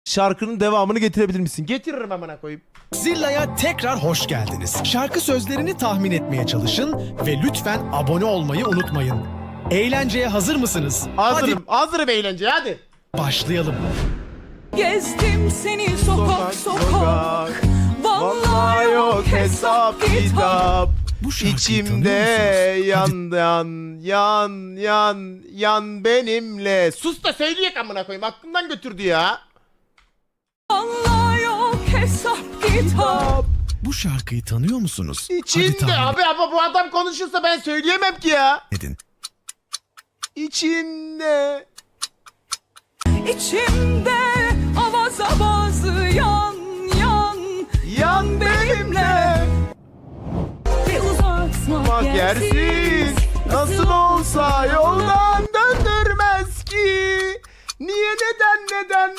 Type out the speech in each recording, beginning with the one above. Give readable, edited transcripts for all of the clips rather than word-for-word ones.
Şarkının devamını getirebilir misin? Getiririm amına koyayım. Zilla'ya tekrar hoş geldiniz. Şarkı sözlerini tahmin etmeye çalışın ve lütfen abone olmayı unutmayın. Eğlenceye hazır mısınız? Hazırım. Hazırım eğlenceye hadi. Başlayalım. Gezdim seni sokak sokak. Vallahi yok hesap kitap. Bu şarkıyı İçimde tanıyor musunuz? yan benimle. Sus da söyleyek amına koyayım. Aklımdan götürdü ya. Vallahi yok hesap kitap. Bu şarkıyı tanıyor musunuz? Hadi İçinde tahmin abi bu adam konuşursa ben söyleyemem ki ya. edin. İçinde. İçimde avaz avaz yan Yan benimle. Bir uzatma Yersiz nasıl olsa yoldan döndürmez ki. Niye neden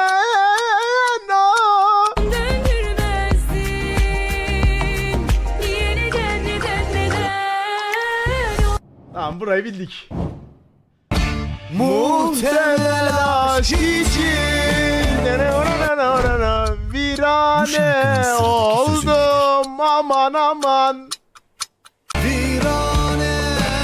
ah. Döndürmezdin. Niye neden Tamam burayı bildik. Muhtemel aşk için virane oldum aman. Virane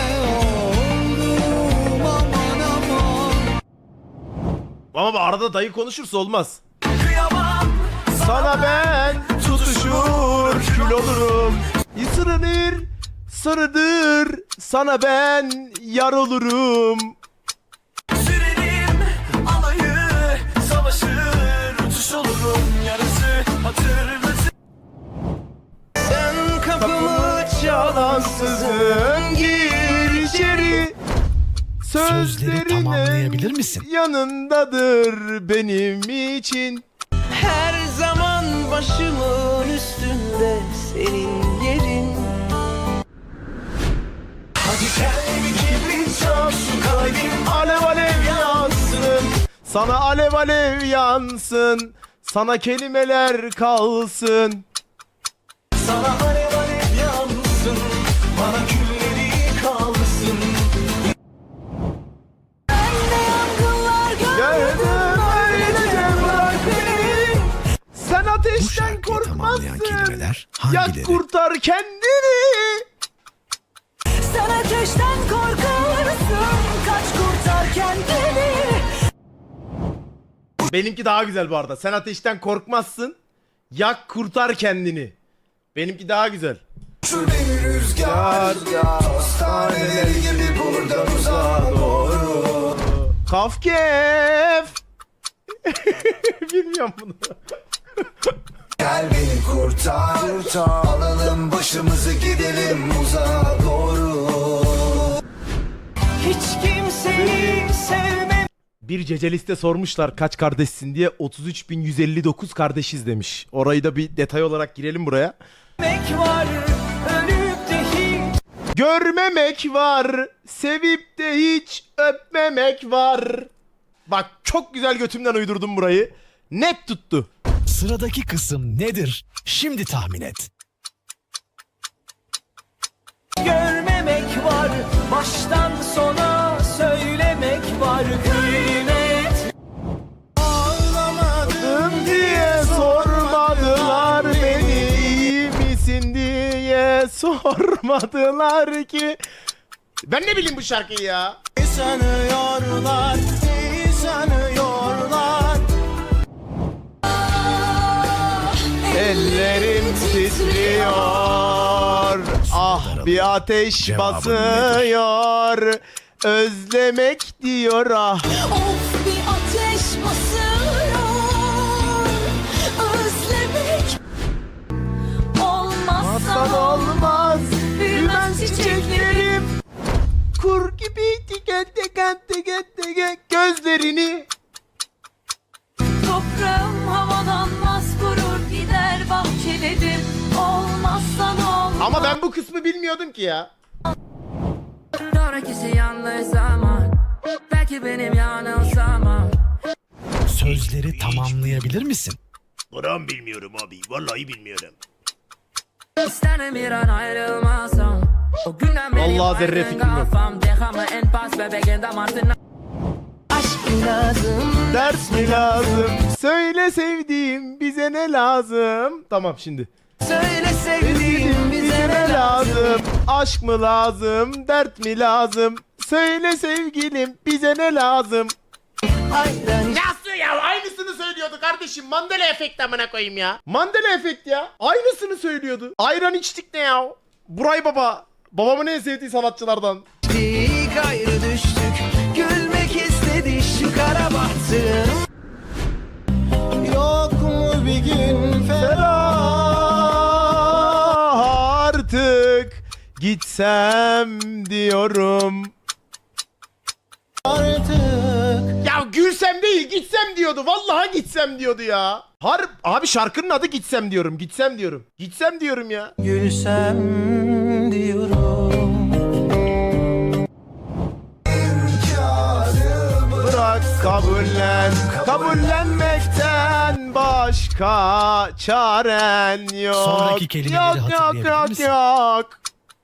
oldum aman. Ama bu arada dayı konuşursa olmaz. Sana ben tutuşur kül olurum. Isırınır sarıdır sana ben yar olurum. Sürerim alayı savaşır uçuş olurum yarısı hatırlasın. Sen kapımı çalansızın gir içeri. Sözleri tamamlayabilir misin? Yanındadır benim için. Her zaman başımın üstünde senin yerin. Hadi gel bir kibrit çak şu kalbim Alev alev yansın. Sana alev alev yansın. Sana kelimeler kalsın. sana alev alev yansın. Bana külleri kalsın. Gördüm öylece bırak beni. Sen Bu ateşten şarkıyı tamamlayan korkmazsın. kelimeler Yak hangileri? kurtar kendini. Sen ateşten korkarsın. Kaç kurtar kendini. Benimki daha güzel bu arada. Sen ateşten korkmazsın. Yak kurtar kendini. Benimki daha güzel. Şu beni rüzgar hastaneler gibi buradan uzağa doğru. Kafkef. Bilmiyorum bunu. Gel beni kurtar, alalım başımızı gidelim uzağa doğru. Hiç kimseyi sevmem. Bir ceceliste sormuşlar kaç kardeşsin diye 33.159 kardeşiz demiş. Orayı da bir detay olarak girelim buraya. Var, ölüp de hiç Görmemek var, sevip de hiç öpmemek var. Bak çok güzel götümden uydurdum burayı. Net tuttu. Sıradaki kısım nedir? Şimdi tahmin et. görmemek var. Baştan sona söylemek var. Kıymet Ağlamadım diye sormadılar beni. İyi misin diye sormadılar ki. Ben ne bileyim bu şarkıyı ya. sanıyorlar, iyi sanıyorlar. Ellerim titriyor. Ah bir ateş Cevabın basıyor. Özlemek diyor ah. Of bir ateş basıyor. Özlemek. Hasan Olmazsa olmaz. büyümez çiçeklerim. Kur gibi gözlerini. Toprağım havalanmaz kurur gider bahçelerim. Olmazsa ne olur. Ama ben bu kısmı bilmiyordum ki ya. Sonrakisi yanlış zaman. Belki benim yanılsamam. Sözleri tamamlayabilir misin? Buram bilmiyorum abi. Vallahi bilmiyorum. İsterim bir an ayrılmasam. O günden beri Vallahi zerre baygın fikrim yok. kafam. Déjame en paz bebeğin damartına. Aşk mi lazım? Ders mi lazım? Söyle sevdiğim bize ne lazım? Tamam şimdi. Söyle sevdiğim bize ne lazım? Aşk mı lazım? Dert mi lazım? Söyle sevgilim bize ne lazım? Ayran Nasıl ya? Aynısını söylüyordu kardeşim. Mandela efekti amına koyayım ya. Mandela efekt ya. Aynısını söylüyordu. Ayran içtik ne ya? Buray Baba. Babamın en sevdiği sanatçılardan. içtik, ayrı düştük. Gülmek istedi şu kara bahtım. Yok mu bir gün Ferah artık gitsem diyorum. artık? Ya gülsem değil gitsem diyordu. Vallahi gitsem diyordu ya. Abi şarkının adı gitsem diyorum. Gitsem diyorum. Gitsem diyorum ya. Gülsem diyorum. Bırak kabullen. Kabullenmekten başka çaren yok. Sonraki kelimeleri yok, hatırlayabilir yok, misin? yok.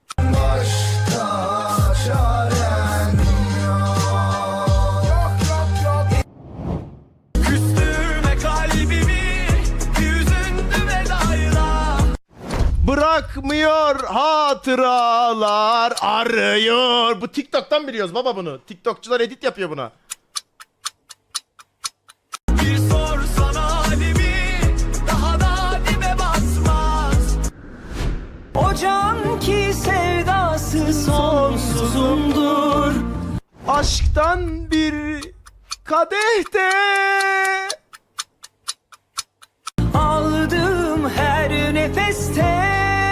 Küstürme kalbimi, yüzündü vedayla. Bırakmıyor hatıralar arıyor. Bu TikTok'tan biliyoruz baba bunu. TikTokçular edit yapıyor buna. Bir sorsana halimi, daha da dibe basmaz. O can ki sevdası sonsuzumdur. Aşktan bir kadehte Aldığım her nefeste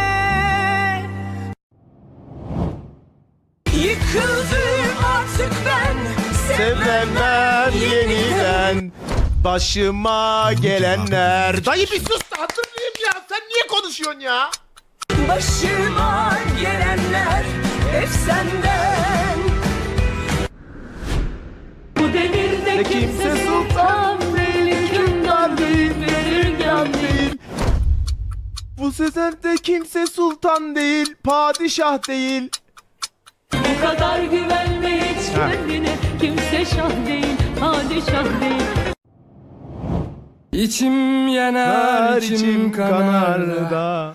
yıkıldım artık ben. sevmem yeniden başıma gelenler. Dayı bir sus da hatırlayayım ya. Sen niye konuşuyorsun ya? Başıma gelenler hep senden. Bu devirde kimse sultan değil, hükümdar değil, belirgen değil. Bu sezerde kimse sultan değil, padişah değil. Bu kadar güvenme hiç kendine, kimse şah değil, padişah değil. İçim yanar, içim kanar da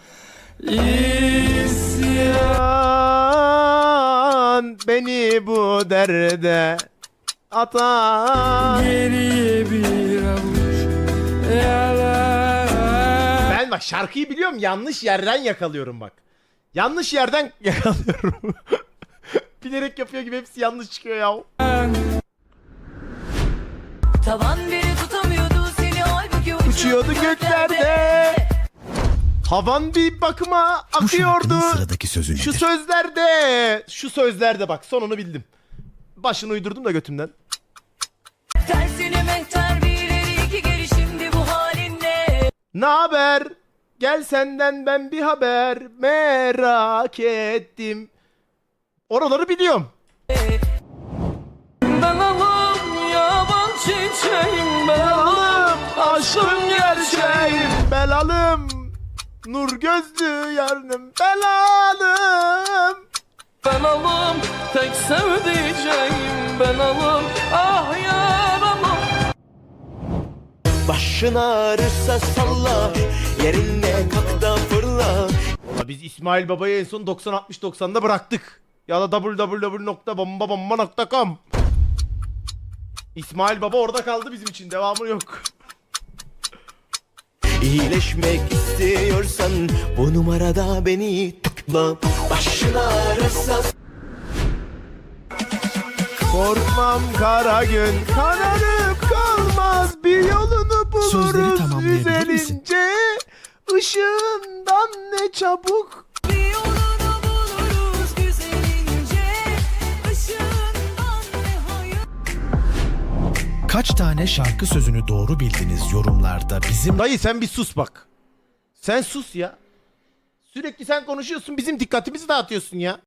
İsyan beni bu derde atan. geriye bir avuç yalan. Ben bak şarkıyı biliyorum, yanlış yerden yakalıyorum bak. Yanlış yerden yakalıyorum. Bilerek yapıyor gibi hepsi yanlış çıkıyor ya. Tavan biri tutamıyordu seni, halbuki Uçuyordu göklerde. Havan bir bakıma akıyordu. sıradaki sözü Şu sözlerde. Şu sözlerde bak, sonunu bildim. Başını uydurdum da götümden. tersine mehter bir ileri iki geri, şimdi bu halinle. Ne haber? Gel senden ben bir haber merak ettim. Oraları biliyorum. Dalalım yaban çiçeğim, Belalım aşkım gerçeğim. Belalım nur gözlü yarınım. Belalım. ben alım tek sevdiceğim, ben alım ah yaralım. Başın ağrırsa salla, yerinde kalk da fırla. Valla biz İsmail Baba'yı en son 90-60-90'da bıraktık. Ya da www.bombabomba.com. İsmail Baba orada kaldı bizim için. Devamı yok. İyileşmek istiyorsan bu numarada beni tıkla. Başın ağrırsa Korkmam kara gün kararıp kalmaz, bir yolunu Sözleri buluruz tamamlayabilir misin? üzerince. Işığından ne çabuk. Bir yolunu buluruz güzelince, ışığından ne hayır. Kaç tane şarkı sözünü doğru bildiniz yorumlarda bizim Dayı sen bir sus bak. Sen sus ya. Sürekli sen konuşuyorsun, bizim dikkatimizi dağıtıyorsun ya.